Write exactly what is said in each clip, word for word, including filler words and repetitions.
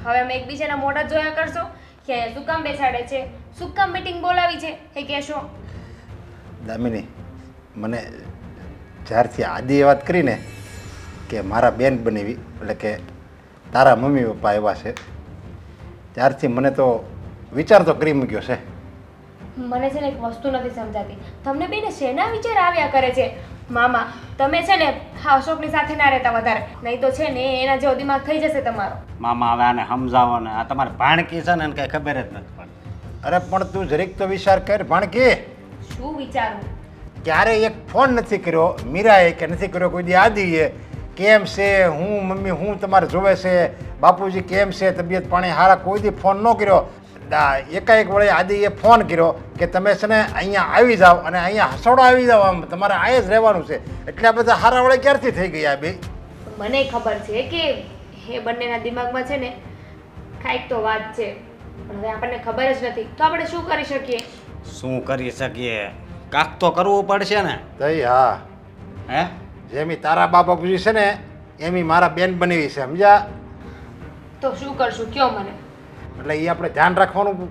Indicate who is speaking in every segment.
Speaker 1: હવે અમે એકબીજાના મોઢા જોયા કરશો કે શું કામ બેસાડે છે, શું કામ મીટિંગ બોલાવી છે એ કહેશો.
Speaker 2: દામિની, મને જ્યારથી આદિએ વાત કરીને કે મારા બેન બનેવી એટલે કે તારા મમ્મી પપ્પા એવા છે ત્યારથી મને તો વિચાર તો કરી મૂક્યો છે.
Speaker 1: મને છે ને એક વસ્તુ નથી સમજાતી, તમને બેને શેના વિચાર આવ્યા કરે છે. મામા તમે છે ને હા અશોકની સાથે ના રહેતા વધારે, નહીં તો છે ને એના જેવો દિમાગ થઈ જશે તમારો.
Speaker 3: મામા હવે આને સમજાવો ને, આ તમારે ભાણકી છે ને એને કાંઈ ખબર જ નથી પડતી.
Speaker 2: અરે પણ તું જરીક તો વિચાર કર ભાણકી.
Speaker 1: શું વિચારવું?
Speaker 2: ક્યારે એક ફોન નથી કર્યો મીરાએ કે નથી કર્યો કોઈ દી આદિએ, કેમ છે હું મમ્મી હું તમારે જોવે છે, બાપુજી કેમ છે, તબિયત પાણી હારા, કોઈ દી ફોન ન કર્યો. એકાએક વળે આદિએ ફોન કર્યો કે તમે છે ને અહીંયા આવી જાઓ અને અહીંયા હસોડો આવી જાઓ, આમ તમારે અહીંયા જ રહેવાનું છે. એટલે આ બધા હારા વળે ક્યારથી થઈ ગયા બે?
Speaker 1: મને ખબર છે કે એ બંનેના દિમાગમાં છે ને કાંઈક તો વાત છે, પણ હવે આપણને ખબર જ નથી તો આપણે શું કરી શકીએ?
Speaker 3: શું કરી શકીએ? કાંક તો કરવું પડશે ને.
Speaker 2: તઈ હા,
Speaker 3: હે
Speaker 2: જેમી તારા બા બાપુજી છે ને એમી મારા બેન બનેવી છે, સમજ્યા?
Speaker 1: તો શું કરશું કયો મને.
Speaker 2: એટલે એ આપણે ધ્યાન રાખવાનું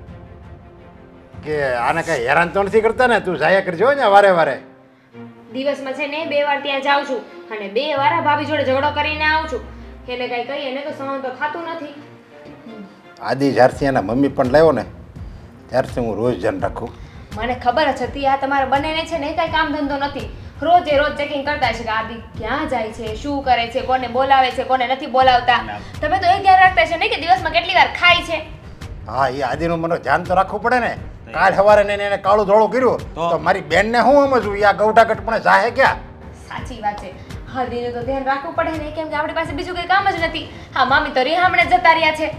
Speaker 2: કે આને કઈ હેરાન તો નથી કરતા ને. તું જાયા કરજો ને વારે વારે.
Speaker 1: દિવસમાં છે ને બે વાર ત્યાં જાઉં છું અને બે વાર આ ભાભી જોડે ઝઘડો કરીને આવું છું. એને કઈ કહીએ એને તો સહન તો થતું નથી.
Speaker 2: આદિ જ્યારથી એના મમ્મી પણ લાવ્યો ને ત્યારથી હું રોજ ધ્યાન રાખું.
Speaker 1: મને ખબર જ હતી આ તમારા બંનેને છે ને કઈ કામ ધંધો નથી, રોજે રોજ ચેકિંગ કરતા છે કે આદિ ક્યાં જાય છે, શું કરે છે, કોને બોલાવે છે, કોને નથી બોલાવતા. તમે તો એ ધ્યાન રાખતા છે ને કે દિવસમાં કેટલી વાર ખાય છે.
Speaker 2: હા, એ આદિનું મને ધ્યાન તો રાખવું પડે ને. કાલ સવારે ને એને કાળું ધોળું કર્યું તો મારી બેનને હું સમજવું? યા ગૌઠાગઢ પણ જાહે ક્યાં?
Speaker 1: સાચી વાત છે, આદિનું તો ધ્યાન રાખવું પડે ને, કેમ કે આપણી પાસે બીજું કઈ કામ જ નથી. હા મામી તો રીહામણે જતા રહ્યા છે.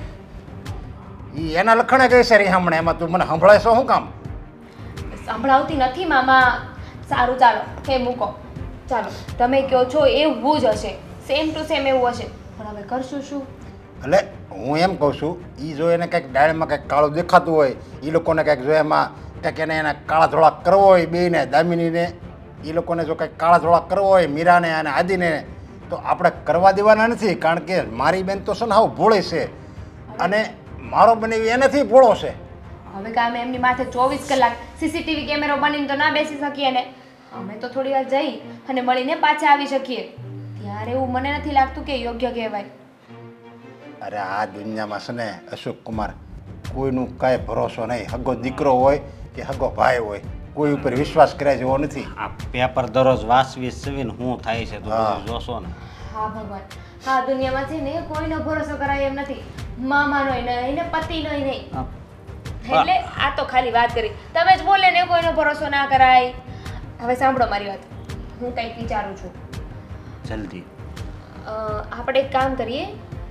Speaker 2: ઈ એના લખણે કહે છે રીહામણે, એમાં તું મને સંભળાય છો શું કામ?
Speaker 1: સંભળાવતી નથી મામા. સારું ચાલો હે મૂકો, ચાલો તમે કહો છો એવું જ હશે, સેમ ટુ સેમ એવું હશે, પણ હવે કરશું શું?
Speaker 2: એટલે હું એમ કહું છું એ જો એને કંઈક ડાળમાં કંઈક કાળું દેખાતું હોય, એ લોકોને કંઈક જો એમાં કંઈક એને એના કાળા ધોળા કરવો હોય બેયને, દામિનીને એ લોકોને જો કંઈક કાળા ધોળા કરવો હોય મીરાને અને આદિને, તો આપણે કરવા દેવાના નથી. કારણ કે મારી બેન તો છે ને હાવ ભોળી છે અને મારો બનેવી એનાથી ભોળો છે.
Speaker 1: હવે કાં અમે એમની માથે ચોવીસ કલાક સીસીટીવી કેમેરો બનીને તો ના બેસી શકીએ ને. અમે તો થોડી વાર જઈ અને મળીને પાછા આવી શકીએ. ત્યારે એવું મને નથી લાગતું કે યોગ્ય કહેવાય.
Speaker 2: અરે આ દુનિયામાં છે ને અશોક કુમાર, કોઈનું કાંઈ ભરોસો નહીં. હગો દીકરો હોય કે હગો ભાઈ હોય, કોઈ ઉપર વિશ્વાસ કર્યા જેવો નથી.
Speaker 3: આ પેપર દરરોજ વાંચવી સવીને શું થાય છે તો બધું જોશો ને.
Speaker 1: હા ભગવાન, હા દુનિયામાં છે ને કોઈનો ભરોસો કરાય એમ નથી. મામાનોય નહીં ને પતિનોય નહીં. એટલે આ તો ખાલી વાત કરી, તમે જ બોલે ને કોઈનો ભરોસો ના કરાય. હવે સાંભળો મારી વાત, હું કંઈક વિચારું છું.
Speaker 3: જલ્દી.
Speaker 1: આપણે એક કામ કરીએ,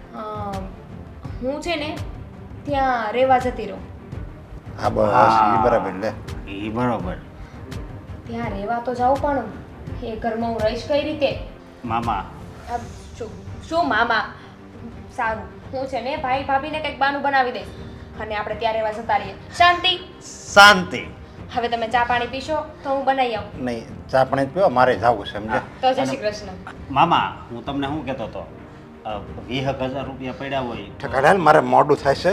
Speaker 1: હું છે ને ત્યાં રહેવા જતી રહું.
Speaker 2: હા બસ એ બરાબર લે.
Speaker 3: એ બરોબર.
Speaker 1: ત્યાં રહેવા તો જાઉં પણ એ ઘરમાં હું રહીશ કઈ રીતે?
Speaker 3: મામા.
Speaker 1: શું શું મામા? સારું, હું છે ને ભાઈ ભાભીને કંઈક બાનું બનાવી દઈશ અને આપણે ત્યાં રહેવા જતા રહીએ. શાંતિ
Speaker 3: શાંતિ.
Speaker 1: હવે તમે ચા પાણી પીશો તો હું બનાવી આવું.
Speaker 2: નહીં, ચા પાણી જ પીવો, મારે જવું છે સમજે.
Speaker 1: તો જય શ્રી કૃષ્ણ.
Speaker 3: મામા હું તમને શું કહેતો હતો, વીસ હજાર રૂપિયા પડ્યા હોય
Speaker 2: ઠકાડા મારે મોડું થાય છે.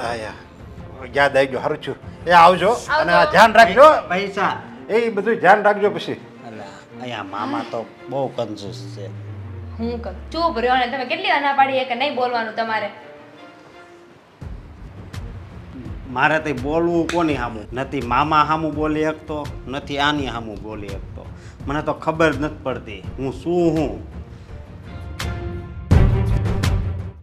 Speaker 2: આયા યાદ આવી ગયો, સારું છું. એ આવજો અને આ ધ્યાન રાખજો
Speaker 3: પૈસા
Speaker 2: એ બધું ધ્યાન રાખજો પછી.
Speaker 3: એટલે અહીંયા મામા તો બહુ કંજૂસ છે.
Speaker 1: હું કર ચૂપ રહ્યો ને. તમે કેટલી અના પાડીએ કે નહીં બોલવાનું તમારે?
Speaker 3: મારે તો બોલવું કોની સામું? નથી મામા સામું બોલી શકતો, નથી આની સામું બોલી શકતો. મને તો ખબર જ નથી પડતી હું શું હું